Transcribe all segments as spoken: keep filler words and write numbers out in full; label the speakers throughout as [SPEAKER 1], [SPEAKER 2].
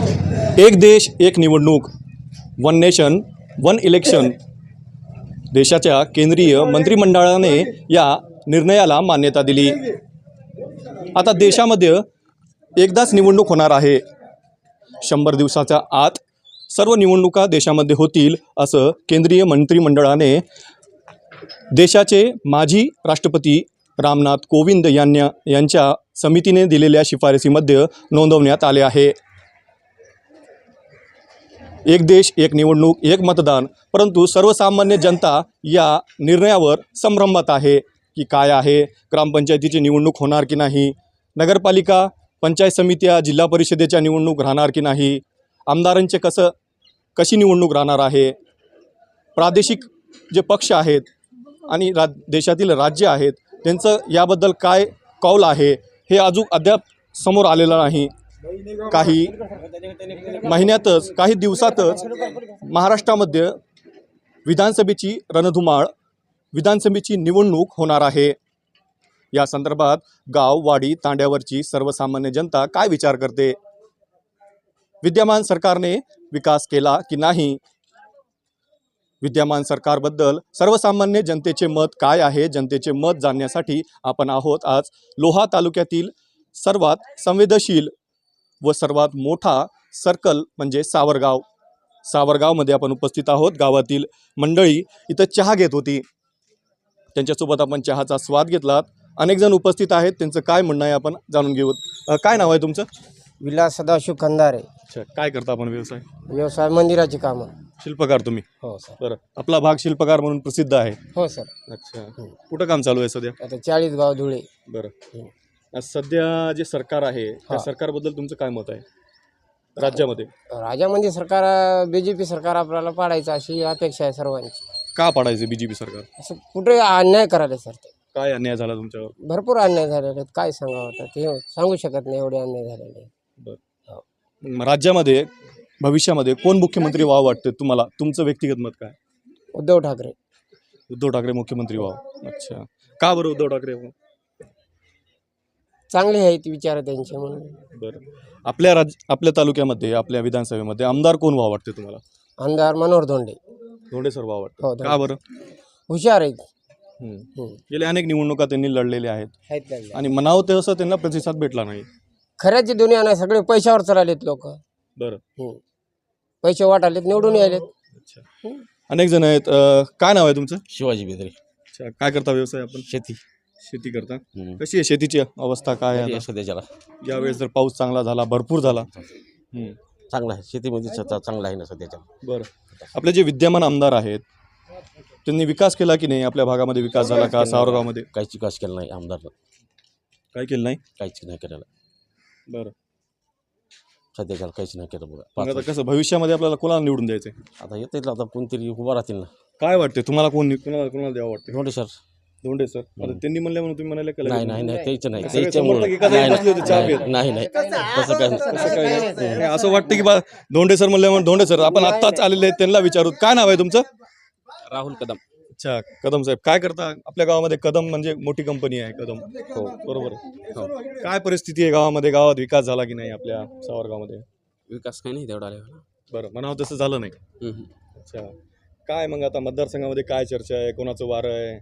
[SPEAKER 1] एक देश एक निवडणूक, वन नेशन वन इलेक्शन. देशाच्या केंद्रीय मंत्रिमंडळाने या निर्णयाला मान्यता दिली. आता देशामध्ये एकदाच निवडणूक होणार आहे. शंभर दिवसाच्या आत सर्व निवडणुका देशामध्ये होतील असं केंद्रीय मंत्रिमंडळाने देशाचे माजी राष्ट्रपती रामनाथ कोविंद यांना यांच्या समितीने दिलेल्या शिफारसीमध्ये नोंदवण्यात आले आहे. एक देश एक निवडणूक एक मतदान, परंतु सर्वसामान्य जनता या निर्णयावर संभ्रमात आहे की काय आहे. ग्रामपंचायतीची निवडणूक होणार की नाही, नगरपालिका पंचायत समित्या जिल्हा परिषदेच्या निवडणूक राहणार की नाही, आमदारांचे कसं कशी निवडणूक राहणार आहे, प्रादेशिक जे पक्ष आहेत आणि रा देशातील राज्य आहेत त्यांचं याबद्दल काय कौल आहे हे अजून अद्याप समोर आलेलं नाही. काही महिन्यातच काही दिवसातच महाराष्ट्रामध्ये विधानसभेची रणधुमाळ विधानसभेची निवडणूक होणार आहे. या संदर्भात गाव वाडी तांड्यावरची सर्वसामान्य जनता काय विचार करते, विद्यमान सरकारने विकास केला की नाही, विद्यमान सरकारबद्दल सर्वसामान्य जनतेचे मत काय आहे, जनतेचे मत जाणण्यासाठी आपण आहोत आज लोहा तालुक्यातील सर्वात संवेदनशील व सर्वात मोठा सर्कल म्हणजे सावरगाव. सावरगावमध्ये आपण उपस्थित आहोत. गावातील मंडळी इथं चहा घेत होती, त्यांच्यासोबत आपण चहाचा स्वाद घेतलात. अनेक जण उपस्थित आहेत, त्यांचं काय म्हणणं आहे आपण जाणून घेऊ. काय नाव आहे तुमचं?
[SPEAKER 2] विलास सदाशिव खंदारे.
[SPEAKER 1] अच्छा, काय करता आपण व्यवसाय?
[SPEAKER 2] व्यवसाय मंदिराची कामं.
[SPEAKER 1] शिल्पकार तुम्ही?
[SPEAKER 2] हो सर.
[SPEAKER 1] बरं, आपला भाग शिल्पकार म्हणून प्रसिद्ध आहे.
[SPEAKER 2] हो सर.
[SPEAKER 1] अच्छा, कुठं काम चालू आहे सध्या?
[SPEAKER 2] आता चाळीस गाव धुळे.
[SPEAKER 1] बरं, आज सध्या जे सरकार आहे त्या सरकारबद्दल तुमचं काय मत आहे राज्यामध्ये?
[SPEAKER 2] राज्यामध्ये सरकार बीजेपी सरकार आपल्याला पाडायचं अशी अपेक्षा आहे सर्वांची.
[SPEAKER 1] का पाडायचं बीजेपी सरकार?
[SPEAKER 2] असं कुठे अन्याय करायला सर, ते
[SPEAKER 1] काय अन्याय झाला तुमच्यावर?
[SPEAKER 2] भरपूर अन्याय झालेले आहेत, काय सांगावं आता ते सांगू शकत नाही, एवढे अन्याय झालेले.
[SPEAKER 1] बरं, राज्यामध्ये भविष्यामध्ये कोण मुख्यमंत्री व्हावं वाटतं तुम्हाला? तुमचं व्यक्तिगत मत काय?
[SPEAKER 2] उद्धव ठाकरे.
[SPEAKER 1] उद्धव ठाकरे मुख्यमंत्री व्हावं. अच्छा, का बरं उद्धव ठाकरे?
[SPEAKER 2] चांगले आहेत विचार त्यांचे म्हणून.
[SPEAKER 1] बरं, आपल्या राज्य आपल्या तालुक्यामध्ये आपल्या विधानसभेमध्ये आमदार कोण व्हावं वाटते तुम्हाला?
[SPEAKER 2] आमदार मनोहर धोंडे.
[SPEAKER 1] धोंडे सर व्हावं
[SPEAKER 2] हो,
[SPEAKER 1] वाटतं. का बरं?
[SPEAKER 2] हुशार आहेत.
[SPEAKER 1] गेल्या अनेक निवडणुका त्यांनी लढलेल्या आहेत
[SPEAKER 2] आहेत
[SPEAKER 1] आणि म्हणावं तसं त्यांना प्रतिसाद भेटला नाही.
[SPEAKER 2] खऱ्याची दुनिया नाही, सगळे पैशावर चाललेत लोक.
[SPEAKER 1] बरं,
[SPEAKER 2] पैसे वाटालेत, निवडून यायलेत.
[SPEAKER 1] अच्छा, अनेक जण आहेत. अं, काय नाव आहे तुमचं?
[SPEAKER 3] शिवाजी बेदरे.
[SPEAKER 1] अच्छा, काय करता व्यवसाय आपण?
[SPEAKER 3] शेती.
[SPEAKER 1] शेती करता. कशी आहे शेतीची अवस्था काय आहे आता?
[SPEAKER 3] सध्याच्याला
[SPEAKER 1] यावेळेस जर पाऊस चांगला झाला, भरपूर झाला.
[SPEAKER 3] चांगला आहे, शेतीमध्ये स्वतः चांगला आहे ना सध्याच्या.
[SPEAKER 1] बरं, आपले जे विद्यमान आमदार आहेत त्यांनी विकास केला की नाही? आपल्या भागामध्ये विकास झाला का? सावरगावमध्ये
[SPEAKER 3] काहीच विकास केला नाही आमदारनं.
[SPEAKER 1] काय केलं नाही?
[SPEAKER 3] काहीच नाही केलेलं.
[SPEAKER 1] बरं,
[SPEAKER 3] सध्याच्याला काहीच नाही केलं बघा.
[SPEAKER 1] मग आता कसं भविष्यामध्ये आपल्याला कोणाला निवडून द्यायचं?
[SPEAKER 3] आता येते आता कोणतरी उभा राहतील ना.
[SPEAKER 1] काय वाटते तुम्हाला? कोण कोणाला कोणाला द्यावं वाटते?
[SPEAKER 3] धोंडे सर.
[SPEAKER 1] धोंडे सर. आता त्यांनी म्हणल्या म्हणून तुम्ही म्हणाले का?
[SPEAKER 3] नाही नाही नाही त्याचं नाही,
[SPEAKER 1] सगळे
[SPEAKER 3] त्याच्यामुळे
[SPEAKER 1] समर्थक एका जागी बसले होते चहा पीत.
[SPEAKER 3] नाही नाही तसं काय
[SPEAKER 1] असं काय नाही. असं वाटतं की बा धोंडे सर म्हणल्यामुळे धोंडे सर आपण आत्ताच आलेले आहेत त्यांना विचारू. काय नाव आहे तुमचं?
[SPEAKER 3] राहुल कदम.
[SPEAKER 1] अच्छा, कदम साहेब काय करता? आपल्या गावामध्ये कदम म्हणजे मोठी कंपनी आहे कदम. हो बरोबर आहे. हो, काय परिस्थिती आहे गावामध्ये? गावात विकास झाला की नाही आपल्या सावरगावमध्ये?
[SPEAKER 3] विकास काही नाही तेवढा.
[SPEAKER 1] बरं, म्हणावं तसं झालं नाही. अच्छा, काय मग आता मतदारसंघामध्ये काय चर्चा आहे? कोणाचं वारं आहे?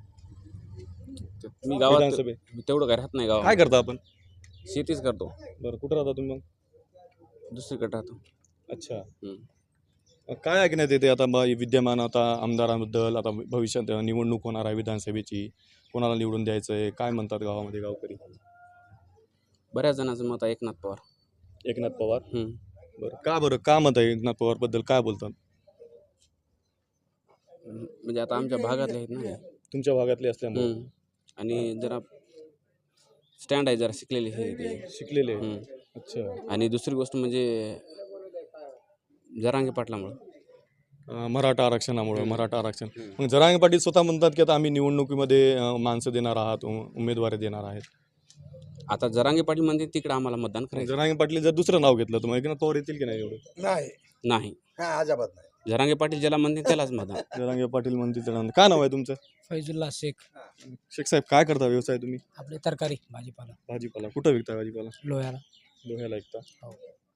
[SPEAKER 3] मी गावात
[SPEAKER 1] विधानसभे
[SPEAKER 3] तेवढं काय राहत नाही. गावात
[SPEAKER 1] काय करता आपण?
[SPEAKER 3] शेतीच करतो.
[SPEAKER 1] बरं, कुठं राहता तुम्ही मग?
[SPEAKER 3] दुसरीकडे राहतो.
[SPEAKER 1] अच्छा, काय ऐकण्यात येते आता विद्यमान आता आमदारांबद्दल? आता भविष्यात निवडणूक होणार आहे विधानसभेची, कोणाला निवडून द्यायचं आहे? काय म्हणतात गावामध्ये गावकरी?
[SPEAKER 3] बऱ्याच जणांचं मत आहे एकनाथ पवार.
[SPEAKER 1] एकनाथ पवार. बरं, का बरं का मत आहे एकनाथ पवार बद्दल? काय बोलतात?
[SPEAKER 3] म्हणजे आता आमच्या भागातले आहेत ना.
[SPEAKER 1] तुमच्या भागातले असल्यामुळे
[SPEAKER 3] आणि जरा स्टँड आहे, जरा शिकलेले हे
[SPEAKER 1] शिकलेले. अच्छा,
[SPEAKER 3] आणि दुसरी गोष्ट म्हणजे जरांगे पाटलामुळं,
[SPEAKER 1] मराठा आरक्षणामुळं. मराठा आरक्षण मग जरांगे पाटील स्वतः म्हणतात की आता आम्ही निवडणुकीमध्ये माणसं देणार आहात, उमेदवारी देणार आहेत.
[SPEAKER 3] आता जरांगे पाटील म्हणते तिकडे आम्हाला मतदान करायचं.
[SPEAKER 1] जरांगे पाटील जर दुसरं नाव घेतलं तर मग एकनाथ पवार येतील की नाही? एवढं
[SPEAKER 2] नाही
[SPEAKER 3] नाही,
[SPEAKER 2] अजिबात नाही.
[SPEAKER 3] जरांगे पाटील ज्याला म्हणते त्यालाच मतदान.
[SPEAKER 1] जरांगे पाटील म्हणतील त्याला. काय नाव आहे तुमचं?
[SPEAKER 2] फैजुल्ला शेख.
[SPEAKER 1] शेख साहेब काय करता व्यवसाय तुम्ही?
[SPEAKER 2] आपले तरकारी भाजीपाला.
[SPEAKER 1] भाजीपाला. कुठं विकता भाजीपाला?
[SPEAKER 2] लोह्याला.
[SPEAKER 1] लोह्याला विकता.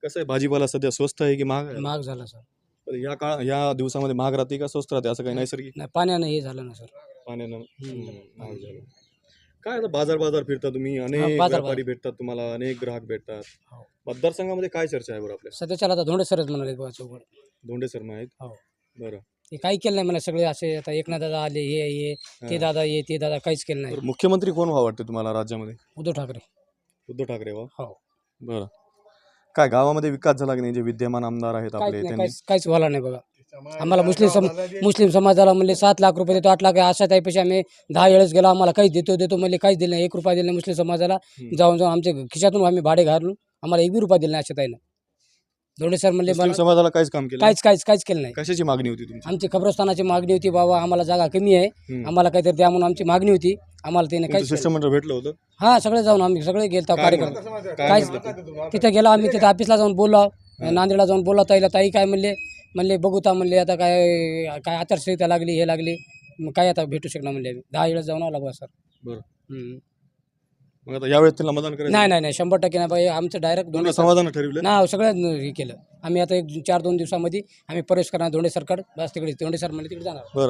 [SPEAKER 1] कसं आहे भाजीपाला सध्या स्वस्त आहे की महाग आहे?
[SPEAKER 2] महाग झाला सर.
[SPEAKER 1] तर या काळ या दिवसामध्ये महाग राहते का स्वस्त राहते असं काही नैसर्गिक
[SPEAKER 2] नाही पाण्यानं हे झालं ना सर.
[SPEAKER 1] पाण्यानं हम्म, महाग झालं. काय आता बाजार बाजार फिरता तुम्ही, अनेक
[SPEAKER 2] बाजार-
[SPEAKER 1] व्यापारी भेटतात तुम्हाला, अनेक ग्राहक भेटतात.
[SPEAKER 2] हो.
[SPEAKER 1] मतदारसंघामध्ये काय चर्चा आहे बरं आपल्या?
[SPEAKER 2] सध्याच्याला आता धोंडे सरच म्हणाले बुवा चौघड.
[SPEAKER 1] धोंडे शर्मा आहेत.
[SPEAKER 2] हो.
[SPEAKER 1] बरं.
[SPEAKER 2] ते काही केलं नाही मला. सगळे असे आता एकनाथ दादा आले, हे ये ते
[SPEAKER 1] हा.
[SPEAKER 2] दादा ये ते दादा, काहीच केलं नाही.
[SPEAKER 1] बरं, मुख्यमंत्री कोण व्हावं वाटतं तुम्हाला राज्यामध्ये?
[SPEAKER 2] उद्धव ठाकरे.
[SPEAKER 1] उद्धव ठाकरे वा.
[SPEAKER 2] हो.
[SPEAKER 1] बरं. काय गावामध्ये विकास झाला की नाही? जे विद्यमान आमदार आहेत
[SPEAKER 2] काहीच
[SPEAKER 1] आपले
[SPEAKER 2] नाही,
[SPEAKER 1] त्यांनी
[SPEAKER 2] काहीच काहीच व्हायला नाही बघा. आम्हाला मुस्लिम सम मुस्लिम समाजाला म्हणले सात लाख रुपये देतो, आठ लाख आहे. अशा टाईपशी आम्ही दहा वेळेस गेलो, आम्हाला काहीच देतो देतो म्हणले, काहीच दिलं नाही. एक रुपया दिला नाही मुस्लिम समाजाला.
[SPEAKER 1] हम्म.
[SPEAKER 2] जाऊन जाऊन आमच्या खिशातून आम्ही भाडे घालून आम्हाला एक बी रुपया दिला नाही. अशा ताईनं धोंडे सर म्हणले
[SPEAKER 1] मुस्लिम
[SPEAKER 2] मला
[SPEAKER 1] समाजाला काहीच काम केलं नाही?
[SPEAKER 2] काहीच काहीच काहीच केलं नाही.
[SPEAKER 1] कशाची मागणी होती तुमची?
[SPEAKER 2] आमची कब्रस्तानाची मागणी होती, बाबा आम्हाला जागा कमी आहे,
[SPEAKER 1] हम्म.
[SPEAKER 2] आम्हाला काहीतरी द्या म्हणून आमची मागणी होती. आम्हाला त्याने
[SPEAKER 1] तुमचं
[SPEAKER 2] काहीच केलं
[SPEAKER 1] शिष्टमंडळ भेटलं होतं?
[SPEAKER 2] नाही. हा सगळे जाऊन आम्ही सगळे गेलतो
[SPEAKER 1] काय
[SPEAKER 2] कार्यक्रम.
[SPEAKER 1] म्हणलं? काय
[SPEAKER 2] काहीच
[SPEAKER 1] म्हणलं?
[SPEAKER 2] तिथे गेला आम्ही, तिथे ऑफिसला जाऊन बोललो, नांदेडला जाऊन बोलला ताईला. ताई काय म्हणले म्हणले बघू ता म्हणले, आता काय काय आचारसंहिता लागली, हे लागली, मग काय आता भेटू शकणार म्हणले. आम्ही दहा वेळेस जाऊन आला बा सर.
[SPEAKER 1] बरं.
[SPEAKER 2] हम्म.
[SPEAKER 1] मग आता यावेळेस त्यांना मतदान करायचं?
[SPEAKER 2] नाही नाही नाही शंभर टक्के नाही बाई. आमचं डायरेक्ट
[SPEAKER 1] दोन्ही
[SPEAKER 2] धोंडे सर
[SPEAKER 1] समाधान ठरवलं?
[SPEAKER 2] ना सगळं हे केलं आम्ही. आता एक चार दोन दिवसामध्ये आम्ही प्रवेश करणार धोंडे सरकड. बस तिकडे धोंडे सर म्हणले तिकडे जाणार.
[SPEAKER 1] बरं.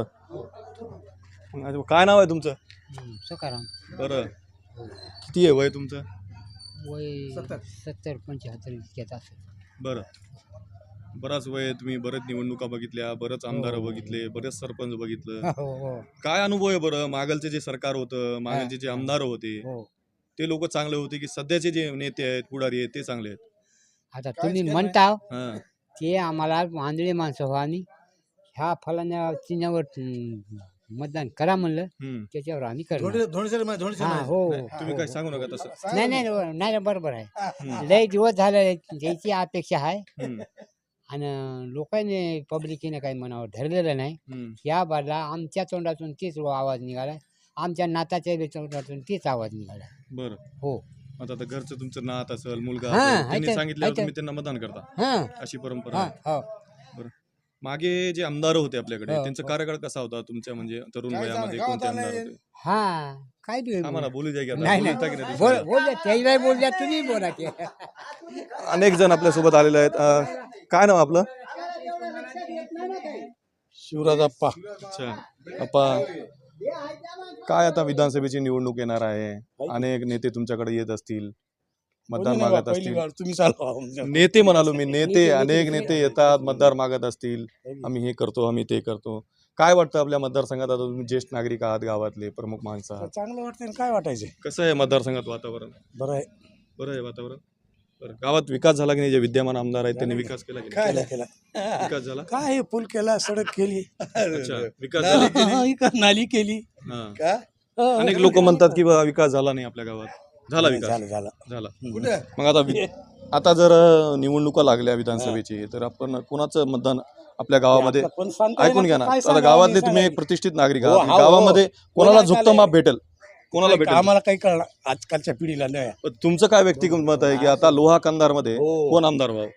[SPEAKER 1] मग आता काय नाव आहे तुमचं?
[SPEAKER 2] सकाराम.
[SPEAKER 1] बरं. किती आहे वय तुमचं?
[SPEAKER 2] वय सत्तर पंच्याहत्तर इतक्यात असेल.
[SPEAKER 1] बरं. बराच वय आहे, तुम्ही बरेच निवडणुका बघितल्या, बरेच आमदार बघितले, बरेच सरपंच बघितलं.
[SPEAKER 2] हो हो
[SPEAKER 1] काय अनुभव आहे बरं? मागलचे जे सरकार होतं, मागलचे जे आमदार होते,
[SPEAKER 2] हो.
[SPEAKER 1] ते लोक चांगले होते की सध्याचे जे नेते आहेत, पुढारी आहेत, ते चांगले आहेत?
[SPEAKER 2] आता तुम्ही म्हणता
[SPEAKER 1] हां.
[SPEAKER 2] ते आम्हाला आंधळी माणसं हो आणि ह्या फलाण्या चिन्हावर हम्म, मतदान करा म्हणलं,
[SPEAKER 1] हम्म.
[SPEAKER 2] त्याच्यावर आम्ही करणार. हा, हो
[SPEAKER 1] तुम्ही काय सांगू नका तसं.
[SPEAKER 2] नाही नाही नाही नाही, बरोबर आहे.
[SPEAKER 1] हम्म.
[SPEAKER 2] लय दिवस झाले द्यायची अपेक्षा आहे
[SPEAKER 1] हम्म.
[SPEAKER 2] आणि लोकांनी पब्लिकीने काही मनावर धरलेलं नाही.
[SPEAKER 1] हम्म.
[SPEAKER 2] या बाजूला आमच्या तोंडातून तीच आवाज निघाला, आमच्या नाताच्या तोंडातून तीच आवाज निघाला.
[SPEAKER 1] बरं.
[SPEAKER 2] हो.
[SPEAKER 1] आता आता घरचं तुमचं नात असेल, मुलगा
[SPEAKER 2] हां,
[SPEAKER 1] असेल, त्यांनी
[SPEAKER 2] आहे तर-
[SPEAKER 1] सांगितल्यावर
[SPEAKER 2] आहे तर.
[SPEAKER 1] तुम्ही त्यांना मतदान करता,
[SPEAKER 2] हां
[SPEAKER 1] अशी परंपरा
[SPEAKER 2] हां
[SPEAKER 1] आहे.
[SPEAKER 2] हो.
[SPEAKER 1] मागे जे आमदार होते आपल्याकडे,
[SPEAKER 2] हो,
[SPEAKER 1] त्यांचा
[SPEAKER 2] हो.
[SPEAKER 1] कार्यकाळ कसा होता तुमच्या, म्हणजे तरुण वयामध्ये कोणते आमदार होते?
[SPEAKER 2] हा काय बी
[SPEAKER 1] आम्हाला बोलू द्या की आता.
[SPEAKER 2] नाही
[SPEAKER 1] बोलता की
[SPEAKER 2] नाही
[SPEAKER 1] नाही
[SPEAKER 2] बोल
[SPEAKER 1] दुसऱ्याला?
[SPEAKER 2] बोल द्या, त्याला बोल द्या, तुम्ही बोला की.
[SPEAKER 1] अनेक जण आपल्या सोबत आलेले आहेत. अं, काय नाव आपलं?
[SPEAKER 4] शिवराज अप्पा.
[SPEAKER 1] अच्छा. अप्पा, काय आता विधानसभेची निवडणूक येणार आहे, अनेक नेते तुमच्याकडे येत असतील, मतदान मागत असतील.
[SPEAKER 4] तुम्ही चालवा.
[SPEAKER 1] नेते म्हणालो मी, नेते अनेक नेते येतात, मतदार मागत असतील, आम्ही हे करतो, आम्ही ते करतो. काय वाटतं आपल्या मतदारसंघात? आता तुम्ही ज्येष्ठ नागरिक आहात, गावातले प्रमुख माणसं आहात,
[SPEAKER 4] चांगलं वाटतं काय वाटायचे.
[SPEAKER 1] कसं आहे मतदारसंघात वातावरण?
[SPEAKER 4] बरं आहे.
[SPEAKER 1] बरं आहे वातावरण. बरं. गावात विकास झाला की नाही? जे विद्यमान आमदार आहेत त्यांनी विकास केला की नाही?
[SPEAKER 4] केला केला
[SPEAKER 1] विकास झाला?
[SPEAKER 4] काय हे पूल केला, सडक केली,
[SPEAKER 1] अच्छा. विकास झाला?
[SPEAKER 4] हा, इकडं नाली केली.
[SPEAKER 1] हां. अनेक लोक म्हणतात की बा विकास झाला नाही आपल्या गावात. झाला विकास?
[SPEAKER 4] झालं झालं.
[SPEAKER 1] झाला. मग आता वि- आता जर अं, निवडणुका लागल्या विधानसभेची, तर आपण कोणाचं मतदान आपल्या गावामध्ये?
[SPEAKER 4] आता पण सांगता
[SPEAKER 1] ऐकून
[SPEAKER 4] येणार
[SPEAKER 1] घ्या ना,
[SPEAKER 4] काय
[SPEAKER 1] आता
[SPEAKER 4] सांगावं
[SPEAKER 1] गावातले
[SPEAKER 4] नाही
[SPEAKER 1] तुम्ही एक
[SPEAKER 4] सांगायचं.
[SPEAKER 1] प्रतिष्ठित नागरिक
[SPEAKER 4] हो,
[SPEAKER 1] आहात,
[SPEAKER 4] हो,
[SPEAKER 1] गावामध्ये कोणाला
[SPEAKER 4] कोणाला
[SPEAKER 1] झुकतं माप भेटेल? कोणाला भेटेल?
[SPEAKER 4] आम्हाला काही कळणार आजकालच्या पिढीला नाही.
[SPEAKER 1] पण तुमचं काय व्यक्तिगत मत आहे की आता लोहा कंधारमध्ये
[SPEAKER 4] हो.
[SPEAKER 1] कोण आमदार व्हावं?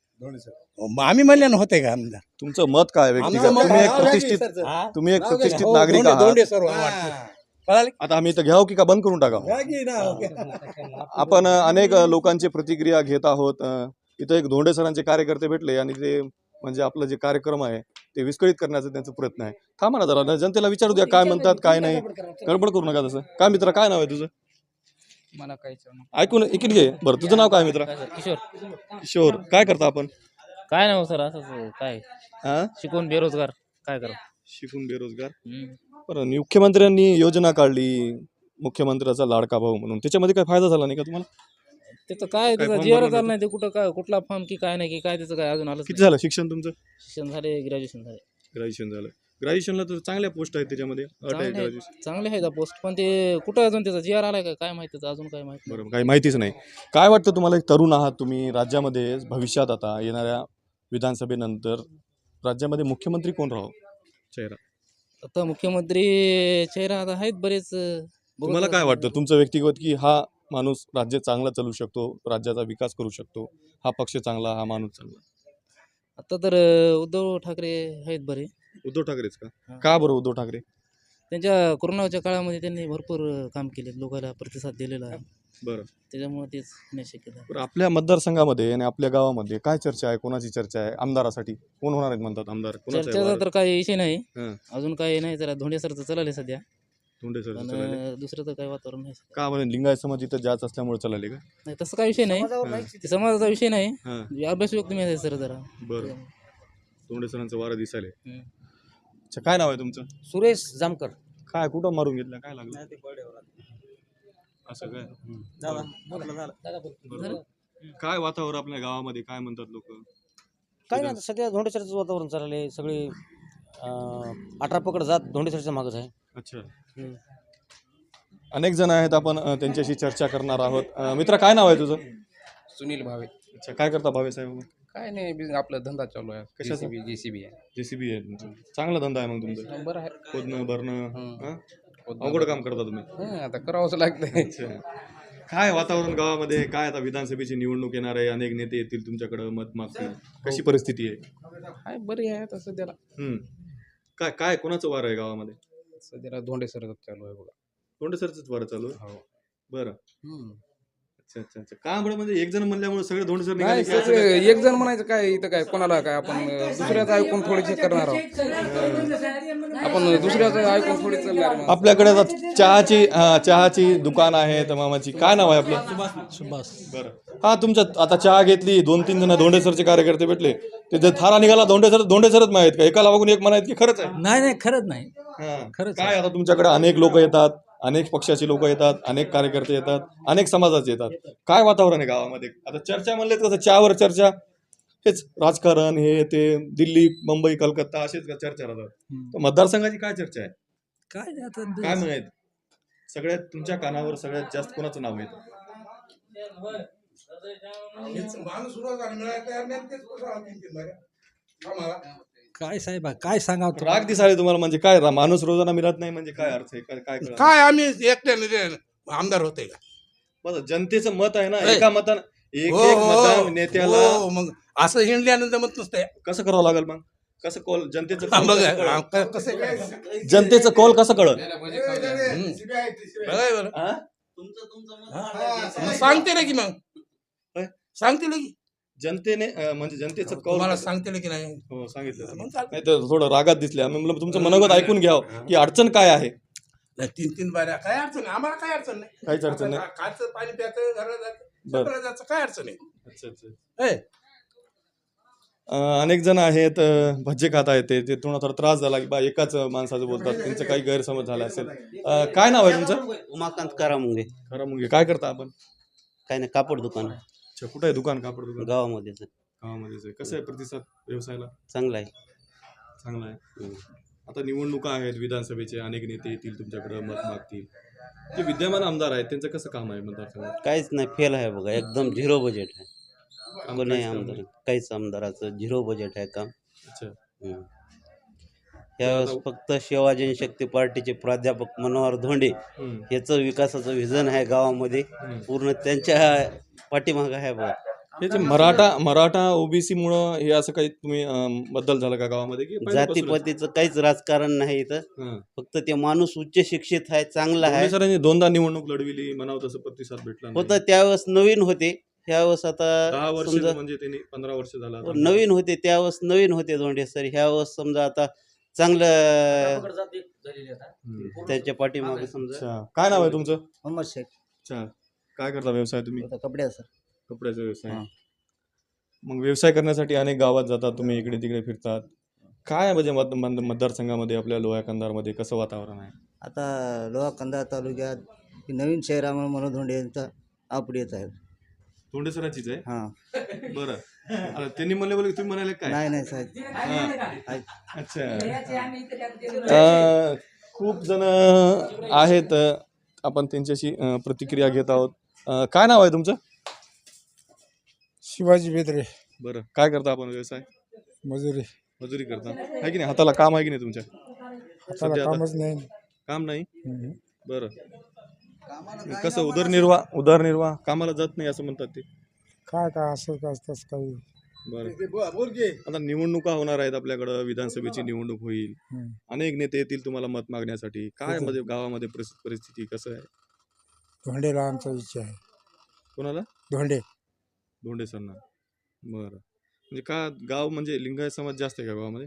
[SPEAKER 4] मग आम्ही म्हणले होते का आमदार?
[SPEAKER 1] तुमचं मत काय व्यक्तिगत?
[SPEAKER 4] आमचं मत
[SPEAKER 1] तुम्ही एक
[SPEAKER 4] आहे,
[SPEAKER 1] प्रतिष्ठित
[SPEAKER 4] हा?
[SPEAKER 1] तुम्ही एक प्रतिष्ठित
[SPEAKER 4] हो,
[SPEAKER 1] नागरिक
[SPEAKER 4] दोंडे- दोंडे
[SPEAKER 1] आहात.
[SPEAKER 4] सर्व वाटतं. कळालं?
[SPEAKER 1] आता आम्ही इथं घ्यावं की का बंद करून टाका?
[SPEAKER 4] घ्या की ना, ओके.
[SPEAKER 1] आपण अ, अनेक अ, लोकांची प्रतिक्रिया घेत आहोत. अ, इथं एक धोंडे सरांचे कार्यकर्ते भेटले आणि ते म्हणजे आपलं जे कार्यक्रम आहे ते विस्कळीत करण्याचा त्यांचा प्रयत्न आहे. थांबा ना जरा, जनतेला विचारू द्या काय म्हणतात काय नाही. गडबड करू नका तसं. काय मित्र, काय नाव आहे तुझं?
[SPEAKER 2] मला काही
[SPEAKER 1] ऐकून इकडे घे. बरं, तुझं नाव काय मित्र?
[SPEAKER 2] किशोर.
[SPEAKER 1] किशोर. काय करता आपण?
[SPEAKER 5] काय नाही हो सर, असंच काय
[SPEAKER 1] हा?
[SPEAKER 5] शिकून बेरोजगार काय करा.
[SPEAKER 1] शिकून बेरोजगार. बरं, मुख्यमंत्र्यांनी योजना काढली, मुख्यमंत्र्याचा लाडका भाऊ म्हणून, त्याच्यामध्ये काय फायदा झाला नाही का तुम्हाला?
[SPEAKER 5] त्याचं काय त्याचा
[SPEAKER 1] form
[SPEAKER 5] जीआर
[SPEAKER 1] भरून
[SPEAKER 5] आला नाही, ते कुठं काय कुठला फॉर्म की काय नाही की काय त्याचं काय अजून आलं
[SPEAKER 1] किती झालं शिक्षण तुमचं?
[SPEAKER 5] शिक्षण झाले, ग्रॅज्युएशन झाले.
[SPEAKER 1] ग्रॅज्युएशन झालं. ग्रॅज्युएशनला तर चांगल्या पोस्ट आहेत त्याच्यामध्ये. अट आहे
[SPEAKER 5] चांगले
[SPEAKER 1] ग्रॅज्युएशन.
[SPEAKER 5] चांगले आहे पोस्ट, पण ते कुठं अजून त्याचा जीआर आलाय का काय माहिती, त्याचं अजून काय माहिती.
[SPEAKER 1] बरोबर, काही माहितीच नाही. काय वाटतं तुम्हाला? एक तरुण आहात तुम्ही, राज्यामध्ये भविष्यात आता येणाऱ्या विधानसभेनंतर राज्यामध्ये मुख्यमंत्री कोण राहावं चेहरा?
[SPEAKER 5] आता मुख्यमंत्री चेहरा आता आहेत बरेच. बघू
[SPEAKER 1] तुम्हाला
[SPEAKER 5] आता.
[SPEAKER 1] काय वाटतं तुमचं व्यक्तिगत की हा माणूस राज्य चांगला चालू शकतो, राज्याचा विकास करू शकतो, हा पक्ष चांगला, हा माणूस चांगला?
[SPEAKER 5] आता तर अं, उद्धव ठाकरे आहेत बरे.
[SPEAKER 1] उद्धव ठाकरेच का?
[SPEAKER 5] हा.
[SPEAKER 1] का बरं उद्धव ठाकरे?
[SPEAKER 5] त्यांच्या कोरोनाच्या काळामध्ये त्यांनी भरपूर अं, काम केले, लोकांना प्रतिसाद दिलेला आहे.
[SPEAKER 1] बरं
[SPEAKER 5] त्याच्यामुळे तेच होण्याची शक्यता आहे.
[SPEAKER 1] बरं आपल्या मतदारसंघामध्ये आणि आपल्या गावामध्ये काय चर्चा आहे, कोणाची चर्चा आहे आमदारासाठी? कोण होणार आहेत म्हणतात आमदार? कोणाचं आहे
[SPEAKER 5] चर्चेचा
[SPEAKER 1] वारं?
[SPEAKER 5] तर काही विषय नाही,
[SPEAKER 1] हां,
[SPEAKER 5] अजून काही नाही. जरा धोंडे सरचं चालले सध्या,
[SPEAKER 1] धोंडे सर
[SPEAKER 5] पण
[SPEAKER 1] चालले.
[SPEAKER 5] अं, दुसरं तर काही वातावरण नाही.
[SPEAKER 1] का म्हणजे लिंगायत समाज इथं जास्त असल्यामुळे चालले का?
[SPEAKER 5] नाही तसं काही विषय नाही, ते समाजाचा विषय नाही.
[SPEAKER 1] हां,
[SPEAKER 5] म्हणजे अभ्यास व्यक्ती माहिती आहे सर जरा.
[SPEAKER 1] बरं. धोंडे सरांचं वारं दिसायले.
[SPEAKER 5] हम्म.
[SPEAKER 1] अच्छा, काय नाव आहे तुमचं?
[SPEAKER 2] सुरेश जामकर.
[SPEAKER 1] काय कुठं मारून घेतलं, काय लागलं असं काय? बरं. काय वातावरण आपल्या गावामध्ये, काय म्हणतात लोक?
[SPEAKER 2] काय नाही आता सध्या धोंडेसरचं वातावरण चाललं आहे. सगळे अं, अठरा पकड जात धोंडेसरच्या मागच आहे.
[SPEAKER 1] अच्छा,
[SPEAKER 2] हम्म.
[SPEAKER 1] अनेक जण आहेत, आपण अ, त्यांच्याशी चर्चा करणार आहोत. अ, मित्र काय नाव आहे तुझं?
[SPEAKER 6] सुनील भावे.
[SPEAKER 1] अच्छा, काय करता भावे साहेब?
[SPEAKER 6] काय नाही बिझ- आपला धंदा चालू आहे.
[SPEAKER 1] कशाचा?
[SPEAKER 6] जेसीबी जेसीबी आहे.
[SPEAKER 1] जेसीबी आहे तुमचं, चांगला धंदा आहे मग तुमचा.
[SPEAKER 6] हा, बरं आहे.
[SPEAKER 1] खोदणं भरणं,
[SPEAKER 6] हं.
[SPEAKER 1] हां?
[SPEAKER 6] खोदणं
[SPEAKER 1] अवघड काम करता तुम्ही.
[SPEAKER 6] हं, आता करावंच लागतंय.
[SPEAKER 1] अच्छा, काय वातावरण गावामध्ये? काय आता विधानसभेची निवडणूक येणार आहे, अनेक नेते येतील तुमच्याकडे, मत मागतील, कशी परिस्थिती आहे?
[SPEAKER 6] हाय बरी आहे आता सध्याला.
[SPEAKER 1] हम्म. काय काय कोणाचं वार आहे गावामध्ये?
[SPEAKER 6] सध्याला धोंडे सर चालू आहे बघा.
[SPEAKER 1] धोंडे सरचंच वार चालू आहे?
[SPEAKER 6] हो.
[SPEAKER 1] बरं.
[SPEAKER 6] हं.
[SPEAKER 1] अच्छा अच्छा अच्छा, का बरं म्हणजे एक जण म्हणल्यामुळे सगळे धोंडे सर
[SPEAKER 6] नाही
[SPEAKER 1] निघाले की असं
[SPEAKER 6] सगळे
[SPEAKER 1] काय?
[SPEAKER 6] एक जण म्हणायचं काय इथं काय कोणाला काय आपण अं, दुसऱ्याचं ऐकून थोडीशी करणार आहोत. आपण दुसऱ्याचं ऐकून थोडी चालणार मग.
[SPEAKER 1] आपल्याकडे आता चहाची हा, चहाची दुकान आहे तमामाची. काय नाव आहे आपलं?
[SPEAKER 2] सुभाष.
[SPEAKER 1] बरं. हा, तुमच्या आता चहा घेतली, दोन तीन जण धोंडे सरचे कार्यकर्ते भेटले, ते जर थारा निघाला धोंडे सर धोंडे सरच माहित का? एकाला बघून एक म्हणायत की खरंच आहे?
[SPEAKER 2] नाही नाही खरंच नाही.
[SPEAKER 1] हा.
[SPEAKER 2] खरंच
[SPEAKER 1] काय आता तुमच्याकडे अनेक लोक येतात, अनेक पक्षाचे लोक येतात, अनेक कार्यकर्ते येतात, अनेक समाजाचे येतात. काय वातावरण आहे गावामध्ये? आता चर्चा म्हणले तर कसं चहावर चर्चा, हेच राजकारण, हे ते दिल्ली मुंबई कलकत्ता असेच का चर्चा राहतात. तर मतदारसंघाची काय चर्चा आहे?
[SPEAKER 2] काय नाही आता
[SPEAKER 1] काय म्हणत सगळ्यात तुमच्या कानावर सगळ्यात जास्त कोणाचं नाव येतं?
[SPEAKER 2] काय साहेब काय सांगावं
[SPEAKER 1] राग दिसाले तुम्हाला म्हणजे काय? रा- माणूस रोजाना मिळत नाही म्हणजे काय अर्थ आहे? काय काय कळलं?
[SPEAKER 4] काय आम्ही एकट्याने ते आमदार होते का?
[SPEAKER 1] बरं, जनतेचं मत आहे ना,
[SPEAKER 4] ए.
[SPEAKER 1] एका मतानं एक
[SPEAKER 4] हो,
[SPEAKER 1] एक
[SPEAKER 4] हो,
[SPEAKER 1] मतदान नेत्याला
[SPEAKER 4] हो, मग असं हिंडल्यानं जमत नसतंय.
[SPEAKER 1] कसं करावं लागेल मग? कसं कॉल जनतेचं
[SPEAKER 4] हा,
[SPEAKER 1] कौल
[SPEAKER 4] बघ,
[SPEAKER 1] कसं कळेल?
[SPEAKER 4] हा, क- कसं काय?
[SPEAKER 1] जनतेचं कौल कसं कळत?
[SPEAKER 4] हं. बघा बरं.
[SPEAKER 1] हा?
[SPEAKER 4] मग सांगते ना की मग
[SPEAKER 1] होय?
[SPEAKER 4] सांगते ना की
[SPEAKER 1] जनतेने अं, म्हणजे जनतेचं कौल
[SPEAKER 4] तुम्हाला
[SPEAKER 1] कसं-
[SPEAKER 4] सांगते ना की नाही
[SPEAKER 1] हो, सांगितलं तुम्ही.
[SPEAKER 4] मग चालतंय.
[SPEAKER 1] नाही तर थोडं रागात दिसले. आम्ही म्हणलं तुमचं मनोगत ऐकून घ्यावं की अडचण काय आहे.
[SPEAKER 4] नाही, तीन तीन बाऱ्या काय अडचण नाही आम्हाला काय अडचण नाही.
[SPEAKER 1] काहीच अडचण नाही.
[SPEAKER 4] आता खायचं पाणी प्यायचं घराला जायचं
[SPEAKER 1] बरं.
[SPEAKER 4] सगळं जायचं काय अडचण आहे.
[SPEAKER 1] अच्छा अच्छा.
[SPEAKER 4] ए,
[SPEAKER 1] अं, अनेक जण आहेत, अं, भज्जे खाता येते, ते थोडा थोडा त्रास झाला की बा एकाच माणसाचं बोलतात, त्यांचं काही गैरसमज झाला असेल. अं, काय नाव आहे तुमचं?
[SPEAKER 7] उमाकांत करामुंगे.
[SPEAKER 1] खरं मग काय करता आपण?
[SPEAKER 7] काय नाही, कापड दुकान
[SPEAKER 1] अच्छा, कुठं आहे दुकान? कापड दुकान
[SPEAKER 7] गावामध्येच आहे.
[SPEAKER 1] गावामध्येच आहे. कसं आहे प्रतिसाद व्यवसायाला?
[SPEAKER 7] चांगला आहे.
[SPEAKER 1] चांगला आहे.
[SPEAKER 7] हम्म.
[SPEAKER 1] आता निवडणुका आहेत विधानसभेचे, अनेक नेते येतील तुमच्याकडे, मत मागतील. जे विद्यमान आमदार आहेत त्यांचं कसं काम आहे मतदारसंघात?
[SPEAKER 7] काहीच नाही, फेल आहे बघा, एकदम झिरो बजेट आहे.
[SPEAKER 1] काम
[SPEAKER 7] कोणी
[SPEAKER 1] काहीच काम
[SPEAKER 7] आमदार
[SPEAKER 1] नाही.
[SPEAKER 7] काहीच आमदाराचं झिरो बजेट आहे काम.
[SPEAKER 1] अच्छा.
[SPEAKER 7] हम्म. यावेळेस फक्त शिवाजी शक्ती पार्टीचे प्राध्यापक मनोहर धोंडे
[SPEAKER 1] हम्म.
[SPEAKER 7] याचं विकासाचं विजन आहे गावामध्ये,
[SPEAKER 1] हम्म.
[SPEAKER 7] पूर्ण त्यांच्या पाठीमागं आहे बघा.
[SPEAKER 1] हे जे मराठा मराठा ओबीसी मुळे हे असं काही तुम्ही अं, बदल झाला का गावामध्ये की पहिल्यापासूनच?
[SPEAKER 7] जातीपातीचं काहीच राजकारण नाही इथं,
[SPEAKER 1] हां.
[SPEAKER 7] फक्त ते माणूस उच्च शिक्षित आहे, चांगला आहे.
[SPEAKER 1] धोंडे सरांनी दोनदा निवडणूक लढविली, म्हणावं तसं प्रतिसाद भेटला नाही.
[SPEAKER 7] होतं त्यावेळेस नवीन होते, ह्यावेळेस
[SPEAKER 1] दहा
[SPEAKER 7] आता
[SPEAKER 1] वर्ष
[SPEAKER 7] समजा
[SPEAKER 1] म्हणजे त्यांनी पंधरा वर्ष झाला आता.
[SPEAKER 7] नवीन होते, त्यावेळेस नवीन होते धोंडे सर, ह्यावेळेस समजा आता चांगलं
[SPEAKER 1] हम्म.
[SPEAKER 7] त्यांच्या पाठीमागे समजा.
[SPEAKER 1] अच्छा, काय नाव आहे तुमचं?
[SPEAKER 2] मोहम्मद शेख.
[SPEAKER 1] अच्छा, काय करता व्यवसाय तुम्ही?
[SPEAKER 2] कपड्याचा.
[SPEAKER 1] कपड्याचा व्यवसाय.
[SPEAKER 2] हां.
[SPEAKER 1] मग व्यवसाय करण्यासाठी अनेक गावात जातात तुम्ही, इकडे तिकडे फिरतात. काय म्हणजे मत मत- मतदारसंघामध्ये आपल्या लोहा कंधारमध्ये कसं वातावरण आहे?
[SPEAKER 8] आता लोहा कंधार तालुक्यात ही नवीन शहरामुळे मनोहर धोंडे यांचा अपडेट येत आहे.
[SPEAKER 1] धोंडे सराचीच आहे?
[SPEAKER 8] हां.
[SPEAKER 1] बरं. आता त्यांनी म्हणले बोल तुम्ही म्हणाले काय?
[SPEAKER 8] नाही नाही साहेब.
[SPEAKER 1] हां. अच्छा. अं, खूप जण आहेत, आपण त्यांच्याशी अं, प्रतिक्रिया घेत आहोत. अं, काय नाव आहे तुमचं?
[SPEAKER 9] शिवाजी बेदरे.
[SPEAKER 1] बरं, काय करता आपण व्यवसाय?
[SPEAKER 9] मजुरी.
[SPEAKER 1] मजुरी करता आहे की नाही? हाताला काम आहे की नाही तुमच्या?
[SPEAKER 9] हाताला
[SPEAKER 1] सध्या आता
[SPEAKER 9] कामच नाही.
[SPEAKER 1] काम नाही.
[SPEAKER 9] हम्म.
[SPEAKER 1] बरं, कसं उदरनिर्वाह उदरनिर्वाह कामाला जात नाही असं म्हणतात ते.
[SPEAKER 9] काय काय असं काय तसं काही.
[SPEAKER 1] बरं, आता निवडणुका होणार आहेत आपल्याकडं, विधानसभेची निवडणूक होईल,
[SPEAKER 9] हम्म.
[SPEAKER 1] अनेक नेते येतील तुम्हाला मत मागण्यासाठी. काय
[SPEAKER 9] येतील.
[SPEAKER 1] म्हणजे गावामध्ये परिस- परिस्थिती कसं आहे?
[SPEAKER 9] धोंडेला आमचा इच्छा आहे.
[SPEAKER 1] कोणाला?
[SPEAKER 9] धोंडे.
[SPEAKER 1] धोंडे सरना. बरं. म्हणजे का गाव म्हणजे लिंगायत समाज जास्त आहे का गावामध्ये?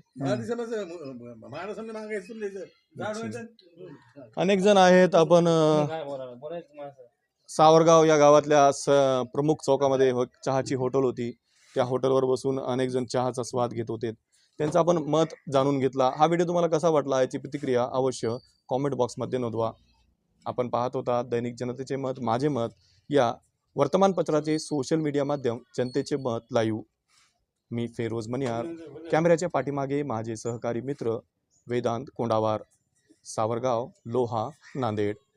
[SPEAKER 1] अनेक जण आहेत. आपण अ, सावरगाव या गावातल्या स प्रमुख चौकामध्ये हो- चहाची हॉटेल होती. त्या हॉटेलवर बसून अनेक जण चहाचा स्वाद घेत होते. त्यांचं आपण मत जाणून घेतला. हा व्हिडिओ तुम्हाला कसा वाटला याची प्रतिक्रिया अवश्य कॉमेंट बॉक्समध्ये नोंदवा. आपण पाहत होता दैनिक जनतेचे मत माझे मत या वर्तमानपत्राचे सोशल मीडिया माध्यम जनतेचे मत लाईव्ह. मी फेरोज मनियार. कॅमेऱ्याच्या पाठीमागे माझे सहकारी मित्र वेदांत कोंडावार. सावरगाव, लोहा, नांदेड.